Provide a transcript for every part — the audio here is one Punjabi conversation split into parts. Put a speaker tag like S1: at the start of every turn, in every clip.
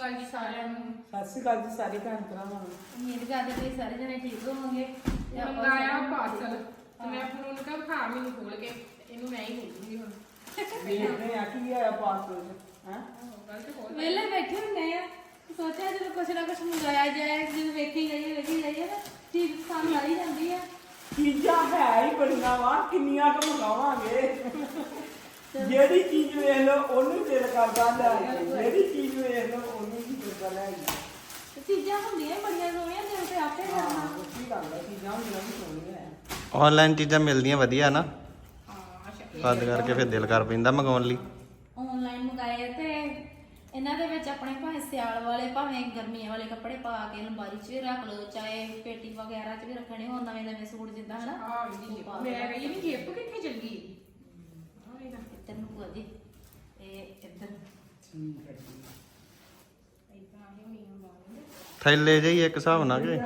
S1: ਅਕਾਲ ਜੀ ਸਾਰਿਆਂ ਨੂੰ।
S2: ਸਤਿ ਸ਼੍ਰੀ ਅਕਾਲ ਜੀ ਸਾਰੇ ਭੈਣ ਭਰਾਵਾਂ ਨੂੰ।
S1: ਉਮੀਦ ਕਰਦੇ ਤੁਸੀਂ ਸਾਰੇ ਜਣੇ ਠੀਕ ਹੋਵੋਗੇ।
S3: ਮੰਗਾਇਆ ਪਾਰਸਲ ਤੇ ਮੈਂ ਫਿਰ ਉਹਨੂੰ ਕਿਹਾ ਖਾ ਮੈਨੂੰ ਖੋਲ ਕੇ ਇਹਨੂੰ ਮੈਂ ਹੀ ਖੋਲੂੰਗੀ ਹੁਣ।
S2: ਵੇਖਦੇ ਆ ਕੀ ਆਇਆ ਪਾਰਸਲ ਚ ਹੈ।
S1: ਵੇਲੇ ਬੈਠੇ ਹੁੰਦੇ ਆ, ਸੋਚਿਆ ਜਦੋਂ ਕੁਛ ਨਾ ਕੁਛ ਮੰਗਾਇਆ ਜਾਏ, ਜਦੋਂ ਵੇਖੀ ਜਾਈਏ ਨਾ ਚੀਜ਼ ਪਸੰਦ ਆਈ ਜਾਂਦੀ ਆ।
S2: ਚੀਜ਼ਾਂ ਹੈ ਹੀ ਬੜੀਆਂ ਵਾ, ਕਿੰਨੀਆਂ ਕੁ ਮੰਗਾਵਾਂਗੇ। ਜਿਹੜੀ ਚੀਜ਼ ਵੇਖ ਲਓ ਉਹਨੂੰ ਦਿਲ ਕਰਦਾ ਲੈ ਆਈਏ, ਜਿਹੜੀ ਚੀਜ਼ ਵੇਖ ਲਓ ਉਹਨੂੰ ਹੀ ਦਿਲ ਕਰਦਾ ਲੈ ਆਈਏ।
S1: ਤੇ ਚੀਜ਼ਾਂ ਹੁੰਦੀਆਂ ਬੜੀਆਂ ਸੋਹਣੀਆਂ, ਦਿਲ ਤੇ ਆਪੇ ਕਰਨਾ।
S2: ਕੀ ਗੱਲ ਹੈ, ਚੀਜ਼ਾਂ ਹੁੰਦੀਆਂ ਵੀ ਸੋਹਣੀਆਂ ਹੈ।
S4: ਆਨਲਾਈਨ ਚੀਜ਼ਾਂ ਮਿਲਦੀਆਂ ਵਧੀਆ ਨਾ, ਤਦ ਕਰਕੇ ਫਿਰ ਦਿਲ ਕਰ ਪੈਂਦਾ ਮੰਗਾਉਣ ਲਈ।
S1: ਆਨਲਾਈਨ ਮੰਗਾਏ ਤੇ ਇਹਨਾਂ ਦੇ ਵਿੱਚ ਆਪਣੇ ਭਾਵੇਂ ਸਿਆਲ ਵਾਲੇ ਭਾਵੇਂ ਗਰਮੀਆਂ ਵਾਲੇ ਕੱਪੜੇ ਪਾ ਕੇ ਅਲਮਾਰੀ 'ਚ ਵੀ ਰੱਖ ਲਓ, ਚਾਹੇ ਪੇਟੀ ਵਗੈਰਾ 'ਚ ਵੀ ਰੱਖਣੇ ਹੋਣ, ਨਵੇਂ ਸੂਟ ਜਿੱਦਾਂ ਹਨਾ।
S3: ਮੈਂ ਕਹੀ ਨਹੀਂ ਜੇਬ ਕਿੱਥੇ ਚੱਲ ਗਈ।
S1: ਇੱਧਰ ਨੂੰ ਭੂਆ ਜੀ, ਇਹ ਇੱਧਰ
S2: ਠੀਕ ਹੈ ਜੀ।
S4: ਥੈਲੇ ਜਿਹੀ ਇੱਕ ਹਿਸਾਬ ਨਾਲ ਕਿ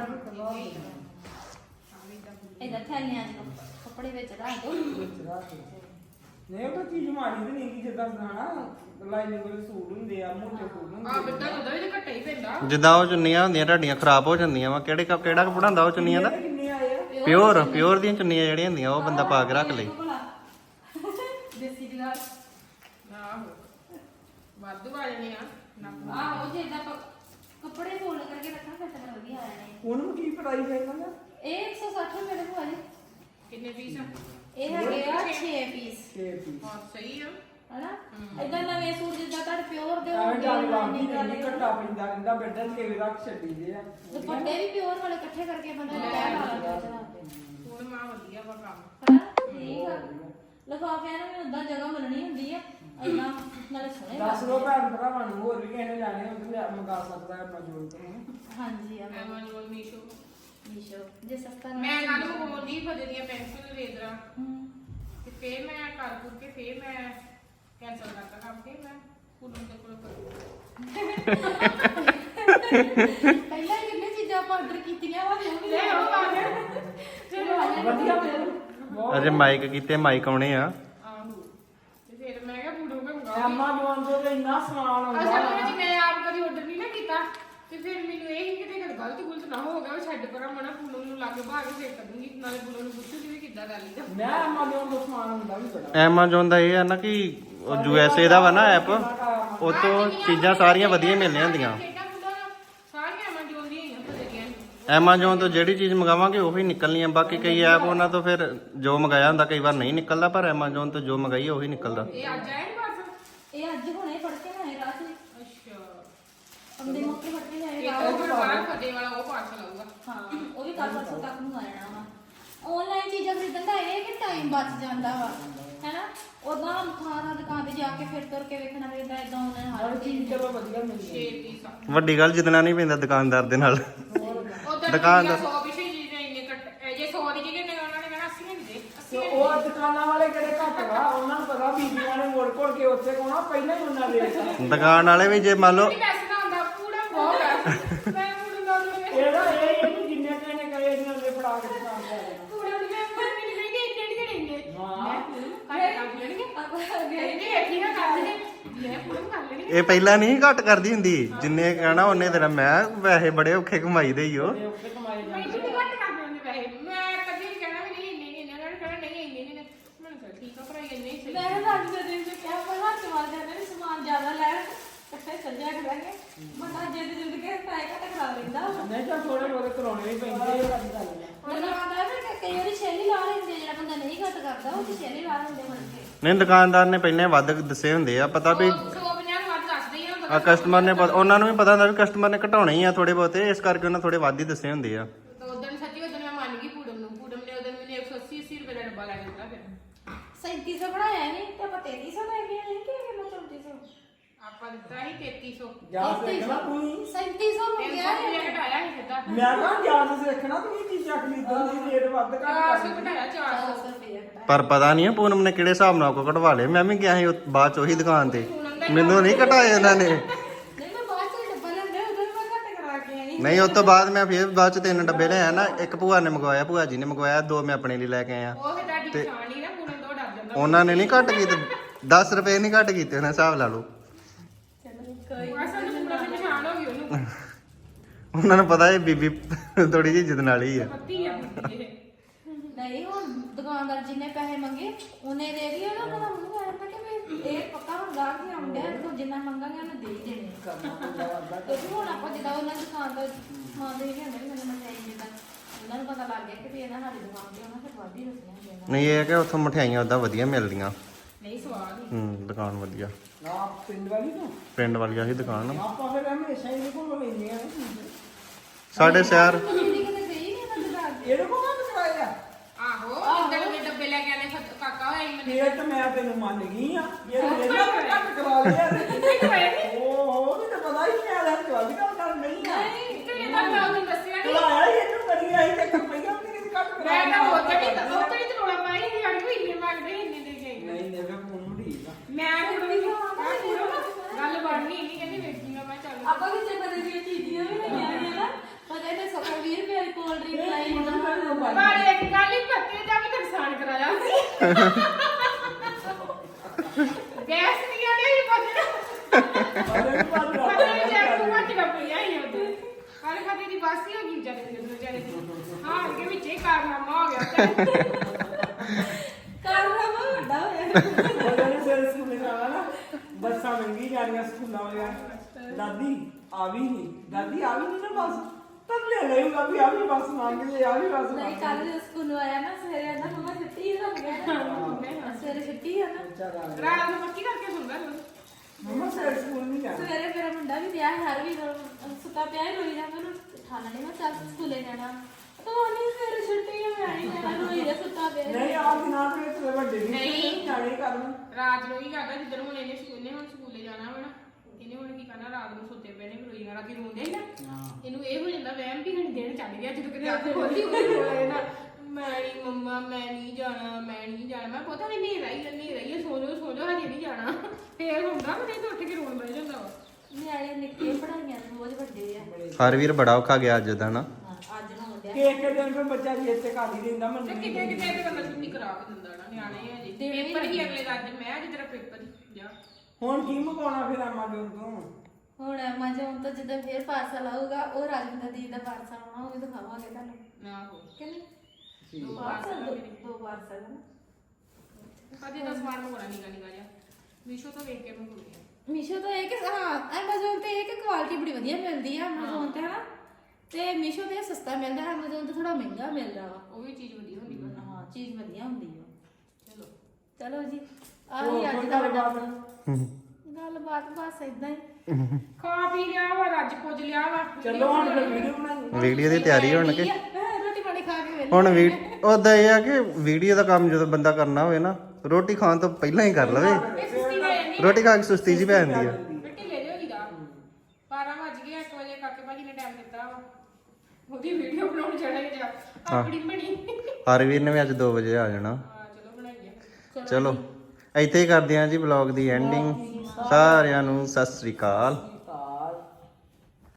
S1: ਇਹਦਾ ਥੈਲੀਆਂ 'ਚ ਕੱਪੜੇ ਵਿੱਚ ਰੱਖ ਦਿਓ।
S2: ਨਹੀਂ ਉਹ ਤਾਂ ਚੀਜ਼ ਮਾੜੀ ਤੇ ਨਹੀਂ, ਜਿੱਦਾਂ ਹਨਾ ਲਾਈਨਿੰਗ ਵਾਲੇ ਸੂਟ ਹੁੰਦੇ ਆ, ਮੋਟੇ ਸੂਟ ਹੁੰਦੇ
S3: ਆ ਬਿੱਟਾ ਉਹਦਾ ਵੀ ਘੱਟਾ ਹੀ ਪੈਂਦਾ।
S4: ਜਿੱਦਾਂ ਉਹ ਚੁੰਨੀਆਂ ਹੁੰਦੀਆਂ ਤੁਹਾਡੀਆਂ ਖਰਾਬ ਹੋ ਜਾਂਦੀਆਂ ਵਾ, ਕਿਹੜਾ ਕੱਪੜਾ ਹੁੰਦਾ ਉਹ ਚੁੰਨੀਆਂ ਦਾ?
S2: ਕਿੰਨੇ ਆਏ ਆ?
S4: ਪਿਓਰ ਦੀਆਂ ਚੁੰਨੀਆਂ ਜਿਹੜੀਆਂ ਹੁੰਦੀਆਂ ਉਹ ਬੰਦਾ ਪਾ ਕੇ ਰੱਖ ਲਈ।
S1: ਦੇਸੀ ਜਗਾੜ
S3: ਆਹੋ ਵਾਧੂ ਆ ਜਾਣੇ ਆ ਨਾ।
S1: ਆਹੋ, ਜੇ ਇਦਾਂ ਕੱਪੜੇ ਫੋਲਡ ਕਰਕੇ ਰੱਖਾਂਗੇ ਤਾਂ ਵਧੀਆ ਆ ਜਾਣੇ।
S2: ਉਹਨੂੰ ਕੀ ਪੜਾਈ ਚਾਹੀਦਾ?
S1: ਇਹ 160 ਰੁਪਏ ਦੇ ਭੂਆ ਜੀ।
S3: ਕਿੰਨੇ ਪੀਸ ਆ?
S1: ਇਹ ਹੈਗੇ ਆ 6 ਪੀਸ
S2: 6 ਪੀਸ।
S3: ਹਾਂ ਸਹੀ ਆ।
S1: ਹਨਾ ਇਦਾਂ ਨਵੇਂ ਸੂਟ ਜਿੱਦਾਂ ਤੁਹਾਡੇ ਪਿਓਰ ਦੇ
S2: ਐਵੇਂ ਡਾਲ ਲਾਉਂਦੀ
S1: ਹੋਣਗੇ,
S2: ਨਹੀਂ, ਘੱਟਾ ਪੈਂਦਾ ਰਹਿੰਦਾ, ਬੈੱਡਾਂ ਤੇ ਰੱਖ ਛੱਡੀਦੇ ਆ।
S1: ਦੁਪੱਟੇ ਵੀ ਪਿਓਰ ਵਾਲੇ ਇਕੱਠੇ ਕਰਕੇ ਬੰਦੇ ਨੂੰ ਕਹਿ ਲਾ ਲੈਂਦਾ
S3: ਹੁਣ ਮਾਂ ਵਧੀਆ ਵਾ ਕੰਮ।
S1: ਹਨਾ ਠੀਕ ਆ। ਲਿਫਾਫਿਆਂ ਨੂੰ ਵੀ ਉਦਾਂ ਜਗ੍ਹਾ ਮਿਲਣੀ ਹੁੰਦੀ ਆ, ਇੰਨਾ ਨਾਲੇ ਸੋਹਣੇ
S2: ਦੱਸ ਦੋ ਭੈਣ ਭਰਾਵਾਂ ਨੂੰ, ਹੋਰ ਵੀ ਕਿਸੇ ਨੇ ਲੈਣੇ ਹੁੰਦੇ ਤੇ ਮੰਗਾ ਸਕਦਾ ਹੈ ਆਪਣਾ ਜੋੜ ਕੇ।
S1: ਹਾਂਜੀ ਆ
S3: ਐਮਾਜ਼ੋਨ ਮੀਸ਼ੋ
S1: ਮੀਸ਼ੋ ਜੇ ਸਸਤਾ ਨਾ
S3: ਮੈਂ ਕੱਲ ਮੰਗਵਾਉਂਦੀ ਫਦੇ ਦੀਆਂ ਪੈਨਸਲ ਰੇਜ਼ਰਾਂ
S1: ਹਮ।
S3: ਤੇ ਫੇਰ ਮੈਂ ਕਰ ਕੁਰ ਕੇ ਫੇਰ ਮੈਂ ਕੈਂਸਲ ਕਰਤਾ ਕੰਮ, ਫੇਰ ਮੈਂ ਕੁੜਨ ਦੇ ਕੋਲ
S1: ਪਹਿਲਾਂ ਹੀ ਕਿੰਨੇ ਚੀਜ਼ਾਂ ਆਪਾਂ ਆਰਡਰ ਕੀਤੀਆਂ ਵਾ, ਜੋ ਵੀ
S3: ਲੈ ਉਹ ਆ ਗਿਆ।
S2: ਵਧੀਆ ਬਹੁਤ
S4: ਅਜੇ ਮਾਈਕ ਕੀਤੇ, ਮਾਈਕ ਆਉਣੇ ਆ।
S3: ਆਹੋ ਤੇ ਫੇਰ ਮੈਂ ਕਿਹਾ ਬੂੜੋ ਕੇ ਮੰਗਾਓ।
S2: ਐਮਾਜ਼ੋਨ ਤੋਂ ਇੰਨਾ ਸਮਾਨ
S3: ਅੱਛਾ
S2: ਆਉਂਦਾ।
S3: ਜੀ ਮੈਂ ਆਪ ਕਦੀ ਆਰਡਰ ਨਹੀਂ ਨਾ ਕੀਤਾ ਤੇ ਫਿਰ ਮੈਨੂੰ ਇਹ ਹੀ ਕਿਤੇ ਗਲਤ ਗੁਲਤ ਨਾ ਹੋ ਗਿਆ, ਉਹ ਛੱਡ ਪਰਾਂ ਮਣਾ ਫੋਨ ਨੂੰ ਲਾ ਕੇ ਭਾਗ ਕੇ ਫੇਰ ਕਰੂੰਗੀ, ਨਾਲੇ ਫੋਨ ਨੂੰ ਪੁੱਛੂਗੀ ਵੀ ਕਿੱਦਾਂ ਕਰ ਲਈਦਾ।
S2: ਮੈਂ ਐਮਾਜ਼ੋਨ ਤੋਂ ਸਮਾਨ ਹੁੰਦਾ ਵੀ ਬੜਾ।
S4: ਐਮਾਜ਼ੋਨ ਦਾ ਇਹ ਆ ਨਾ ਕਿ ਉਹ USA ਦਾ ਵਾ ਨਾ ਐਪ, ਉਹ ਤੋਂ ਚੀਜ਼ਾਂ ਸਾਰੀਆਂ ਵਧੀਆ ਮਿਲਦੀਆਂ ਹੁੰਦੀਆਂ।
S3: ਸਾਰੀਆਂ ਐਮਾਜ਼ੋਨ ਦੀਆਂ ਹੀ ਆ ਫਦੇਰੀਆਂ।
S4: ਐਮਾਜ਼ੋਨ ਤੋਂ ਜਿਹੜੀ ਚੀਜ਼ ਮੰਗਾਵਾਂਗੇ ਉਹੀ ਨਿਕਲਣੀ ਆ। ਬਾਕੀ ਕਈ ਐਪ ਉਹਨਾਂ ਤੋਂ ਫਿਰ ਜੋ ਮੰਗਾਇਆ ਹੁੰਦਾ ਕਈ ਵਾਰ ਨਹੀਂ ਨਿਕਲਦਾ, ਪਰ ਐਮਾਜ਼ੋਨ ਤੋਂ ਜੋ ਮੰਗਾਈ ਉਹੀ ਨਿਕਲਦਾ।
S3: ਇਹ ਅੱਜ ਆਇਆ ਨੀ ਪਾਰਸਲ?
S1: ਇਹ ਅੱਜ ਹੁਣੇ ਫੜ ਕੇ ਆਏ ਰਾਤ ਨੂੰ,
S3: ਅੱਛਾ
S1: ਅੰਦੇ ਮੌਕੇ ਫੜ ਕੇ ਆਏ
S3: ਇਹ
S1: ਰਾਤ
S3: ਉਹ ਫਿਰ ਬਾਹਰ ਫਦੇ ਵਾਲਾ ਉਹ ਪਾਰਸਲ ਆਊਗਾ।
S1: ਹਾਂ, ਉਹ ਵੀ ਕੱਲ ਪਰਸੋਂ ਤੱਕ ਨੂੰ ਆ ਜਾਣਾ ਵਾ। ਆਨਲਾਈਨ ਚੀਜ਼ਾਂ ਖਰੀਦਣ ਦਾ ਇਹ ਕਿ ਟਾਈਮ ਬਚ ਜਾਂਦਾ ਵਾ, ਹੈਨਾ। ਉਦਾਂ ਖਾਣਾ ਦੁਕਾਨ ਤੇ ਜਾ ਕੇ ਫਿਰ ਤੁਰ ਕੇ ਵੇਖਣਾ ਪੈਂਦਾ, ਇਦਾਂ ਆਨਲਾਈਨ ਹਰ
S2: ਹਰ
S1: ਚੀਜ਼
S2: ਚੀਜ਼ ਚਲੋ ਵਧੀਆ ਮਿਲਦੀ
S3: 6 ਪੀਸ
S4: ਵੱਡੀ ਗੱਲ ਜਿੱਦਣਾ ਨਹੀਂ ਪੈਂਦਾ ਦੁਕਾਨਦਾਰ ਦੇ ਨਾਲ।
S3: ਉਧਰ
S4: ਦੁਕਾਨਦਾਰ
S3: 100 ਪੀਸ ਹੀ ਚੀਜ਼ ਇੰਨੇ ਕੱਟ ਜੇ 100 ਦੀ ਚੀਜ਼ ਨੇ ਉਹਨਾਂ ਨੇ ਕਹਿਣਾ 80 ਨਹੀਂ ਦੇ 80
S2: ਤੇ ਉਹ ਦੁਕਾਨਾਂ ਵਾਲੇ ਕਿਹੜੇ ਘੱਟ ਵਾ, ਉਹਨਾਂ ਨੂੰ ਪਤਾ ਬੀਬੀਆਂ ਨੇ ਮੋੜ ਕੋਲ ਕੇ ਉੱਥੇ ਕੋਣਾ ਪਹਿਲਾਂ ਹੀ ਉਹਨਾਂ ਦੇ
S4: ਦੁਕਾਨ ਵਾਲੇ ਵੀ ਜੇ ਮੰਨ ਲਓ
S3: ਨਹੀਂ ਪੈਸੇ ਦਾ ਹੁੰਦਾ ਪੂਰਾ ਬਹੁਤ ਹੈ। ਮੈਂ ਪੂਰਾ ਦਾ ਉਹਨੇ
S2: ਇਹਦਾ ਇਹ ਨਹੀਂ ਜਿੰਨੇ ਕਿਹਨੇ ਕਹੇ ਇਹਨਾਂ ਦੇ ਫੜਾ ਕੇ ਦੁਕਾਨ ਤੇ ਆ ਜਾਣਾ।
S3: ਪੂਰਾ ਦੀ ਮੈਂ ਪਰ ਮੈਨੂੰ ਕਹਿੰਦੇ ਇੰਨੇ ਨਹੀਂ ਦੇਣਗੇ।
S2: ਹਾਂ।
S3: ਮੈਂ ਕਰ ਲੈਣਗੇ ਨਹੀਂ ਠੀਕ ਆ ਕਰ ਲੈਣਗੇ, ਮੈਂ ਪੂਰਾ ਕਰ ਲੈਣਗੇ।
S4: ਇਹ ਪਹਿਲਾਂ ਨਹੀਂ ਘੱਟ ਕਰਦੀ ਹੁੰਦੀ, ਜਿੰਨੇ ਕਹਿਣਾ ਉਹਨੇ ਤੇਰਾ। ਮੈਂ ਵੈਸੇ ਬੜੇ ਔਖੇ ਕਮਾਈ ਦੇ ਹੀ ਉਹ।
S2: ਤੇ ਉੱਥੇ ਕਮਾਏ
S3: ਮੈਂ
S2: ਜਾਂਦੇ
S3: ਕਿਤੇ ਘੱਟ ਕਰ ਦਿੰਦੇ ਪੈਸੇ, ਮੈਂ ਕਦੀ ਨਹੀਂ ਕਹਿਣਾ ਵੀ ਨਹੀਂ ਇੰਨੇ ਨਹੀਂ, ਇਹਨਾਂ ਨੇ ਕਹਿਣਾ ਨਹੀਂ ਇੰਨੇ ਨਹੀਂ। ਮੈਂ ਕਿਹਾ ਠੀਕ ਆ ਭਰਾ ਇੰਨੇ ਹੀ ਸਹੀ।
S1: ਮੈਂ ਅੱਜ ਦੇ ਦਿਨ ਚ ਕਿਹਾ ਮੈਂ ਹੱਥ ਮਾਰ ਜਾਂਦੇ ਨੇ, ਸਮਾਨ ਜ਼ਿਆਦਾ ਲੈਣ ਇਕੱਠੇ ਚੱਲਿਆ ਕਰਾਂਗੇ। ਬੰਦਾ ਜਿੱਦ ਕੇ ਪੈਸੇ ਘੱਟ ਕਰਾ ਲੈਂਦਾ ਵਾ।
S2: ਨਹੀਂ ਤਾਂ ਥੋੜੇ ਬਹੁਤੇ ਕਰਾਉਣੇ ਵੀ ਪੈਂਦੇ ਇਹ ਵਾਲੀ ਗੱਲ ਹੈ।
S1: ਮੈਨੂੰ ਆਉਂਦਾ ਫਿਰ ਕਈ ਵਾਰੀ ਛੇਲੀ ਲਾ ਲੈਂਦੇ, ਜਿਹੜਾ ਬੰਦਾ ਨਹੀਂ ਘੱਟ ਕਰਦਾ ਉਹ ਛੇਲੀ ਲਾ ਲੈਂਦੇ ਮਨ ਕੇ।
S4: ਨਹੀਂ ਦੁਕਾਨਦਾਰ ਨੇ ਪਹਿਲਾਂ ਹੀ ਵੱਧ ਦੱਸੇ ਹੁੰਦੇ ਆ, ਪਤਾ ਵੀ
S3: 150 ਵੱਧ ਦੱਸਦੇ ਹੀ
S4: ਆ ਕਸਟਮਰ ਨੇ ਉਹਨਾਂ ਨੂੰ ਵੀ ਪਤਾ ਹੁੰਦਾ ਵੀ ਕਸਟਮਰ ਨੇ ਘਟਾਉਣੇ ਹੀ ਆ ਥੋੜੇ ਬਹੁਤੇ, ਇਸ ਕਰਕੇ ਉਹਨਾਂ ਥੋੜੇ ਵੱਧ ਹੀ ਦੱਸੇ ਹੁੰਦੇ ਆ।
S3: ਉਦੋਂ ਸੱਚੀ ਉਦੋਂ ਮੈਂ ਮੰਨ ਗਈ ਪੂਡਮ ਨੂੰ। ਪੂਡਮ ਨੇ ਉਦੋਂ ਮੈਨੂੰ 180 ਰੁਪਏ ਦਾ ਡੱਬਾ ਲੈ ਦਿੱਤਾ। ਫਿਰ
S1: 3700 ਬਣਾਇਆ ਨਹੀਂ ਤੇ ਆਪਾਂ 3300 ਲੈ ਕੇ ਆਏ ਕਿ ਮੈਂ 3400
S3: ਆਪਾਂ ਦਿੱਤਾ ਸੀ 3300।
S2: ਜਾ ਦੇਖਣਾ ਤੂੰ ਹੀ।
S1: 3700 ਹੋ
S3: 300
S1: ਗਿਆ
S3: ਰੁਪਏ ਘਟਾਇਆ ਸੀ ਸਿੱਧਾ।
S2: ਮੈਂ ਕਹਾਂ ਜਾ ਦੇਖਣਾ ਤੂੰ ਹੀ ਚੀਜ਼ਾਂ ਖਰੀਦਣ ਦੀ ਰੇਟ ਵੱਧ ਘੱਟ
S3: 400
S2: ਕਰ
S3: ਘਟਾਇਆ 400।
S1: 400 ਰੁਪਏ ਘਟਾਇਆ।
S4: ਪਰ ਪਤਾ ਨਹੀਂ ਪੂਨਮ ਨੇ ਕਿਹੜੇ ਹਿਸਾਬ ਨਾਲ ਕੋ ਘਟਵਾ ਲਏ। ਮੈਂ ਵੀ ਗਿਆ ਸੀ ਬਾਅਦ ਚ ਉਹੀ ਦੁਕਾਨ ਤੇ, ਮੈਨੂੰ ਨਹੀਂ ਘਟਾਏ ਇਹਨਾਂ ਨੇ।
S1: ਨਹੀਂ ਮੈਂ ਬਾਅਦ ਚ ਡੱਬਾ ਲੈਂਦੇ ਉਦੋਂ ਮੈਂ ਘੱਟ ਕਰਾ ਕੇ ਆਈ।
S4: ਨਹੀਂ ਉਸ ਤੋਂ ਬਾਅਦ ਮੈਂ ਫਿਰ ਬਾਅਦ ਚ 3 ਡੱਬੇ ਲਿਆਇਆ ਨਾ, ਇੱਕ ਭੂਆ ਨੇ ਮੰਗਵਾਇਆ, ਭੂਆ ਜੀ ਨੇ ਮੰਗਵਾਇਆ, 2 ਮੈਂ ਆਪਣੇ ਲਈ ਲੈ ਕੇ ਆਇਆ।
S3: ਉਹ ਫਿਰ ਤੁਹਾਡੀ ਪਛਾਣ ਨਹੀਂ ਨਾ, ਪੂਡਮ ਤੋਂ ਡਰ ਜਾਂਦਾ।
S4: ਉਹਨਾਂ ਨੇ ਨਹੀਂ ਘੱਟ ਕੀਤੇ, 10 ਰੁਪਏ ਨਹੀਂ ਘੱਟ ਕੀਤੇ ਉਹਨਾਂ ਹਿਸਾਬ ਲਾ ਲਓ।
S1: ਚਲੋ ਕੋਈ
S3: ਅਸਲ ਵਿੱਚ ਪੂਡਮ ਦੀ ਪਛਾਣ ਹੋ
S4: ਉਹਨਾਂ ਨੂੰ ਪਤਾ ਇਹ ਬੀਬੀ ਥੋੜੀ ਜਿਹੀ ਜਿੱਦ ਨਾਲ ਹੀ ਆ
S3: ਪੱਤੀ ਆ ਬੀਬੀ ਇਹ
S1: ਨਹੀਂ ਹੁਣ ਦੁਕਾਨਦਾਰ ਜਿੰਨੇ ਪੈਸੇ ਮੰਗੇ ਉਹਨੇ ਦੇ ਦਿਏ ਨਾ, ਉਹਨਾਂ ਦਾ ਮੂੰਹ ਆਇਆ ਤਾਂ ਕਿ ਵੀ ਇਹ ਪੱਕਾ ਹੁਣ ਗਾਹਕ ਹੀ ਆਉਂਦਾ ਹੈ, ਜਿੰਨਾ ਮੰਗਾਂਗੇ ਉਹਨੇ ਦੇ ਹੀ ਦੇਣੇ। ਕਿਉਂਕਿ ਹੁਣ ਆਪਾਂ ਜਿੱਦਾਂ ਉਹਨਾਂ ਦੀ ਦੁਕਾਨ ਦਾ ਸਮਾਨ ਦੇ ਕੇ ਆਉਂਦੇ ਮੈਨੂੰ ਮਠਿਆਈ ਜਿੱਦਾਂ ਉਹਨਾਂ ਨੂੰ ਪਤਾ ਲੱਗ ਗਿਆ ਕਿ ਵੀ ਇਹਨਾਂ ਸਾਡੀ ਦੁਕਾਨ ਤੇ ਉਹਨਾਂ ਫਿਰ ਵੱਧ ਹੀ ਰੁਪਈਆਂ ਦੇਣਾ।
S4: ਨਹੀਂ ਇਹ ਹੈ ਕਿ ਉੱਥੋਂ ਮਠਿਆਈਆਂ ਉਦਾਂ ਵਧੀਆ ਮਿਲਦੀਆਂ।
S3: ਨਹੀਂ ਸਵਾਦ ਹੀ
S4: ਦੁਕਾਨ ਵਧੀਆ
S2: ਨਾ ਪਿੰਡ ਵਾਲੀ ਤੋਂ
S4: ਪਿੰਡ ਵਾਲੀ ਆਹੀ ਦੁਕਾਨ ਆ।
S2: ਆਪਾਂ ਫਿਰ ਹਮੇਸ਼ਾ ਇਹਦੇ ਕੋਲ ਲੈਂਦੇ ਆ
S4: ਸਾਡੇ ਸ਼ਹਿਰ
S1: ਜਿਹੜੀ ਕਿਤੇ ਗਈ ਨਹੀਂ ਇਹਨਾਂ ਦੁਕਾਨ ਤੇ।
S2: ਇਹਦੇ ਕੋਲ ਨਾ ਕਰਾਇਆ
S3: ਆਹੋ ਜਿੱਦਣ ਦੇ ਡੱਬੇ ਲੈ ਕੇ ਆਨੇ ਕਾਕਾ ਹੋਇਆ ਹੀ ਮੈਨੂੰ
S2: ਫੇਰ ਤਾਂ ਮੈਂ ਤੈਨੂੰ ਮੰਨ ਗਈ ਆ ਇਹ ਮੇਰਾ ਘੱਟ ਕਰਾ ਲਿਆ
S3: ਨਹੀਂ ਕਰਾਇਆ ਨਹੀਂ
S2: ਉਹ ਵੀ ਤਾਂ ਪਤਾ ਹੀ ਨਹੀਂ ਆਦਾ ਚੱਲ ਗੱਲ ਕਰ ਨਹੀਂ ਆ
S3: ਤੇ ਇਹਨਾਂ ਨੇ ਉਹਨੂੰ ਦੱਸਿਆ ਨਹੀਂ
S2: ਕਰਾਇਆ ਹੀ ਇਹਨੂੰ ਕਰੀ ਆਈ ਤੇ ਕੰਪਈਆਂ ਵੀ ਨਹੀਂ ਘੱਟ ਕਰਾ
S3: ਮੈਂ ਤਾਂ ਉਹ ਤੇ ਰੋਲਾ ਪਾਈ ਨਹੀਂ ਅੜ ਕੋਈ ਇੰਨੇ ਮੰਗਦੇ ਇੰਨੇ ਦੇ ਗਏ
S2: ਨਹੀਂ ਨਹੀਂ ਮੈਂ ਫੋਨ ਮੁੜੀ ਦਾ
S3: ਮੈਂ ਹੁਣ ਗੱਲ ਬਣਨੀ ਨਹੀਂ ਕਹਿੰਦੀ ਵੇਖੀਗਾ ਮੈਂ ਚੱਲ
S1: ਆਪਾਂ ਵੀ ਜੇ ਬਦੇ ਦੀਆਂ ਚੀਜ਼ੀਆਂ ਵੀ ਨਹੀਂ ਆਈਆਂ ਨਾ ਪਤਾ ਇਹਨੇ 120 ਰੁਪਏ ਦੀ ਕੋਲਡ ਡਰਿੰਕ ਲਾਈ ਨਾ।
S3: ਪਰ ਇੱਕ ਗੱਲ ਹੀ ਪੱਤੇ ਦਾ ਵੀ ਨੁਕਸਾਨ ਕਰਾਇਆ ਸੀ ਗੈਸ ਨਹੀਂ ਆ ਰਹੀ ਪਤਾ ਨਹੀਂ ਜੈਕ ਨੂੰ ਮੱਚ ਗਾ ਪਈ ਆਈ ਉਹਦੇ ਹਾਲੇ ਖਾਤੇ ਦੀ ਬਾਸੀ ਹੋ ਗਈ ਵਿਚਾਰੇ ਦੀ ਵਿਚਾਰੇ ਦੀ ਹਾਂ ਅੱਗੇ ਵਿੱਚ ਹੀ ਕਾਰਨਾਮਾ ਹੋ ਗਿਆ
S1: ਕਾਰਨਾਮਾ ਵੱਡਾ ਹੋਇਆ।
S2: ਉਹਨੇ ਸਿਰ ਸਕੂਲੇ ਜਾਣਾ ਨਾ ਬੱਸਾਂ ਮੰਗੀ ਜਾਣੀਆਂ ਸਕੂਲਾਂ ਵਾਲਿਆਂ ਦਾਦੀ ਆਵੀ ਨਹੀਂ ਨਾ ਬਸ ਤਬ ਲੈ ਲਊਗਾ ਵੀ ਆਵੀ ਬਸ ਮੰਗ ਲਈ ਆਵੀ ਬਸ
S1: ਨਹੀਂ ਕੱਲ ਜਦੋਂ ਸਕੂਲ ਆਇਆ ਨਾ ਸਵੇਰੇ ਆਂਦਾ ਮਮਾ ਛੁੱਟੀ ਹੋ ਗਿਆ ਸਵੇਰੇ ਛੁੱਟੀ ਆ ਨਾ
S3: ਰਾਤ ਨੂੰ ਪੱਕੀ ਕਰਕੇ ਸੁਣਦਾ
S2: ਮਮਾ ਸਿਰ ਸਕੂਲ ਨਹੀਂ ਜਾਣਾ
S1: ਸਵੇਰੇ ਮੇਰਾ ਮੁੰਡਾ ਵੀ ਗਿਆ ਹਰ ਵੀ ਸੁੱਤਾ ਪਿਆ ਹੀ ਰੋਈ ਜਾਂਦਾ ਉਹਨੂੰ ਠਾਣਾ ਨਹੀਂ ਮੈਂ ਚੱਲ ਸਕੂਲੇ ਜਾਣਾ ਤਾਂ ਨਹੀਂ ਸਵੇਰੇ ਛੁੱਟੀ ਆ ਮੈਂ ਨਹੀਂ ਜਾਣਾ ਰੋਈ ਜਾ ਸੁੱਤਾ ਪਿਆ
S2: ਨਹੀਂ ਆ ਦਿਨਾਂ ਦੇ ਵਿੱਚ ਵੱਡੇ
S3: ਨਹੀਂ।
S2: ਜਾਣੇ ਕਰਨ
S3: ਰਾਤ ਨੂੰ ਹੀ ਕਰਦਾ ਜਿੱਦਣ ਹੁਣ ਇਹਨੇ ਹੁਣ ਸਕੂਲੇ ਜਾਣਾ ਵਾ ਨਾ ਇਹਨੇ ਹੁਣ ਕੀ ਕਰਨਾ ਰਾਤ ਨੂੰ ਸੁੱਤੇ ਪਏ ਨੇ ਰੋਈ ਨਾ ਰਾਤੀ ਰੋਂਦੇ ਹੀ ਨਾ ਇਹਨੂੰ ਇਹ ਹੋ ਜਾਂਦਾ ਵਹਿਮ ਵੀ ਹੁਣ ਦਿਨ ਚੜ ਗਿਆ ਜਦੋਂ ਕਿਤੇ ਅੱਖ ਖੋਲੀ ਹੋਈ ਰੋਏ ਨਾ ਮੈਂ ਨਹੀਂ ਮੰਮਾ ਮੈਂ ਨਹੀਂ ਜਾਣਾ ਮੈਂ ਪਤਾ ਨਹੀਂ ਹਨੇਰਾ ਹੀ ਸੋ ਜਾਓ ਹਜੇ ਨਹੀਂ ਜਾਣਾ ਫੇਰ ਹੁੰਦਾ ਮੈਂ ਨਹੀਂ ਤਾਂ ਉੱਠ ਕੇ ਰੋਣ ਬਹਿ ਜਾਂਦਾ ਵਾ
S1: ਨਿਆਣੇ ਨਿੱਕੇ ਪੜਾਈਆਂ ਦੇ ਬੋਝ ਵੱਡੇ ਆ।
S4: ਹਰ ਵੀਰ ਬੜਾ ਔਖਾ ਗਿਆ ਅੱਜ ਦਾ ਨਾ।
S1: ਅੱਜ ਨੂੰ ਹੁੰਦਿਆ
S2: ਕੇ ਦਿਨ ਫਿਰ ਬੱਚਾ ਜੀ ਇੱਥੇ ਘਰ ਹੀ ਰਹਿੰਦਾ
S3: ਤੇ
S2: ਮੰਨ
S3: ਕਿਤੇ ਤੇ ਬੰਦਾ ਛੁੱਟੀ ਕਰਾ ਕੇ ਦਿੰਦਾ ਨਾ ਨਿਆਣੇ ਹਜੇ ਪੇਪਰ ਹੀ ਅਗਲੇ ਦਾ ਅੱਜ ਮੈਂ ਅੱਜ ਤੇਰਾ ਪੇਪਰ ਜਾ
S2: ਹੁਣ ਕੀ ਮਕਾਉਣਾ ਫਿਰ ਐਮਾਜ਼ੋਨ ਤੋਂ
S1: ਹੁਣ ਐਮਾਜ਼ੋਨ ਤੋਂ ਜਦੋਂ ਫੇਰ ਪਾਰਸਲ ਆਊਗਾ ਉਹ ਰਾਜਵਿੰਦਰ ਦੀ ਦਾ ਪਾਰਸਲ ਆਉਣਾ ਉਹ ਵੀ ਦਿਖਾਵਾਂਗੇ ਤੁਹਾਨੂੰ
S3: ਆਹੋ
S1: ਕਿ ਨਹੀਂ ਦੋ ਪਾਰਸਲ ਨਾ
S3: ਕਦੇ ਦਾ ਸਮਾਨ ਮੰਗਾਉਣਾ ਨਿਕਾ ਜਾ ਮੀਸ਼ੋ ਤੋਂ ਵੇਖ ਕੇ ਮੰਗਾਉਂਦੇ ਆ
S1: ਮੀਸ਼ੋ ਤੋਂ ਇਹ ਕਿ ਹਾਂ ਐਮਾਜ਼ੋਨ ਤੇ ਇਹ ਕਿ ਕੁਆਲਿਟੀ ਬੜੀ ਵਧੀਆ ਮਿਲਦੀ ਆ ਐਮਾਜ਼ੋਨ ਤੇ ਹਨਾ ਤੇ ਮੀਸ਼ੋ ਤੇ ਸਸਤਾ ਮਿਲਦਾ ਐਮਾਜ਼ੋਨ ਤੇ ਥੋੜਾ ਮਹਿੰਗਾ ਮਿਲਦਾ ਵਾ
S3: ਉਹ ਵੀ ਚੀਜ਼ ਵਧੀਆ ਹੁੰਦੀ ਵਾ
S1: ਹਾਂ ਚੀਜ਼ ਵਧੀਆ ਹੁੰਦੀ ਆ
S3: ਚਲੋ
S1: ਚਲੋ ਜੀ ਆਹੀ ਅੱਜ ਦਾ ਵੱਡਾ ਗੱਲਬਾਤ ਬਸ ਇਦਾਂ ਹੀ
S3: ਖਾ ਪੀ ਲਿਆ ਵਾ ਰੱਜ ਪੁੱਜ ਲਿਆ ਵਾ
S2: ਚਲੋ ਹੁਣ ਫਿਰ ਵੀਡੀਓ ਬਣਾਈ
S4: ਵੀਡੀਓ ਦੀ ਤਿਆਰੀ ਹੋਣ ਕੇ
S1: ਰੋਟੀ ਪਾਣੀ ਖਾ ਕੇ ਵੇਲੇ
S4: ਹੁਣ ਉਹਦਾ ਇਹ ਆ ਕਿ ਵੀਡੀਓ ਦਾ ਕੰਮ ਜਦੋਂ ਬੰਦਾ ਕਰਨਾ ਹੋਵੇ ਨਾ ਰੋਟੀ ਖਾਣ ਤੋਂ ਪਹਿਲਾਂ ਹੀ ਕਰ ਲਵੇ।
S3: ਇਹ ਸੁਸਤੀ ਪੈ ਜਾਂਦੀ
S4: ਰੋਟੀ ਖਾ ਕੇ ਸੁਸਤੀ ਜੀ ਪੈ ਜਾਂਦੀ ਆ।
S3: ਮਿੱਟੀ ਲੈ ਜਾਓ ਜੀਦਾ 12 ਵਜ ਗਏ 1 ਵਜੇ ਕਾਕੇ ਭਾਜੀ ਨੇ ਟਾਈਮ ਦਿੱਤਾ ਵਾ ਉਹਦੀ ਵੀਡੀਓ ਬਣਾਉਣ ਚੜਾ ਗਿਆ ਆਪਣੀ ਬਣੀ
S4: ਹਰ ਵੀਰ ਨੇ ਵੀ ਅੱਜ 2 ਵਜੇ ਆ ਜਾਣਾ।
S3: ਹਾਂ ਚਲੋ ਬਣਾਈਏ
S4: ਚਲੋ ਇੱਥੇ ਹੀ ਕਰਦੇ ਹਾਂ ਜੀ ਵਲੌਗ ਦੀ ਐਂਡਿੰਗ। ਸਾਰਿਆਂ ਨੂੰ ਸਤਿ ਸ੍ਰੀ ਅਕਾਲ।